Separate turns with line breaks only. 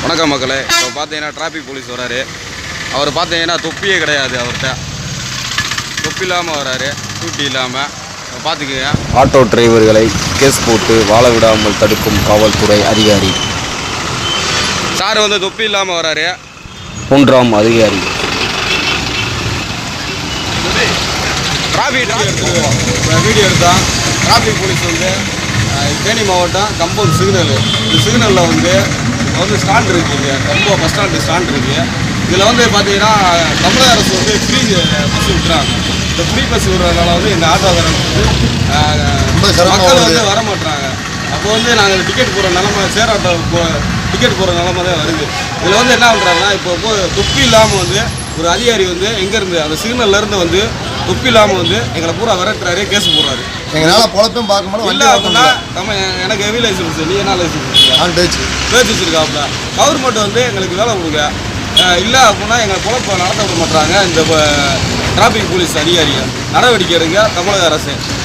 வணக்கம் மக்களே. இப்போ பார்த்தீங்கன்னா டிராஃபிக் போலீஸ் வராரு. அவர் பார்த்தீங்கன்னா தொப்பியே கிடையாது. அவர்கிட்ட தொப்பி இல்லாமல் வராரு, டியூட்டி இல்லாமல். பார்த்துக்குங்க.
ஆட்டோ டிரைவர்களை கேஸ் போட்டு வாழ விடாமல் தடுக்கும் காவல்துறை அதிகாரி.
சார் வந்து தொப்பி இல்லாமல் வராரு.
3ஆம் அதிகாரி.
டிராஃபிக் வீடியோ எடுத்தான். டிராஃபிக் போலீஸ் வந்து தேனி மாவட்டம் கம்பம் சிக்னல். இந்த சிக்னலில் வந்து ஸ்டாண்ட் இருக்குங்க. கம்பம் பஸ் ஸ்டாண்டு ஸ்டாண்ட் இருக்குது. இதில் வந்து பார்த்தீங்கன்னா தமிழக அரசு வந்து ஃப்ரீ பஸ் விட்டுறாங்க. இந்த ஃப்ரீ பஸ் விடுறதுனால வந்து எங்கள் ஆட்டோக்காரங்க வந்து மக்கள் வந்து வர மாட்டுறாங்க. அப்போ வந்து நாங்கள் டிக்கெட் போகிற நிலமை சேர் ஆட்டோ டிக்கெட் போகிற நிலமை தான் வருது. இதில் வந்து என்ன பண்ணுறாங்கன்னா இப்போ தொப்பி இல்லாமல் வந்து ஒரு அதிகாரி வந்து எங்கேருந்து அந்த சிக்னல்லேருந்து வந்து தொப்பி இல்லாமல் வந்து எங்களை பூரா விரட்டுறாரு, கேஸ் போடுறாரு.
எங்களால் பொழப்பும் பார்க்கும்போது
இல்லை அப்படின்னா நம்ம எனக்கு ஹெவி லைசன்ஸ், நீ என்ன லைசன்ஸ்
பேச்சு
வச்சுருக்காப்புல. கவர்மெண்ட் வந்து எங்களுக்கு வேலை கொடுங்க. இல்லை அப்படின்னா எங்களை பொழப்பை நடத்த விட மாட்டாங்க. இந்த டிராஃபிக் போலீஸ் அதிகாரிகள் நடவடிக்கை எடுங்க தமிழக அரசு.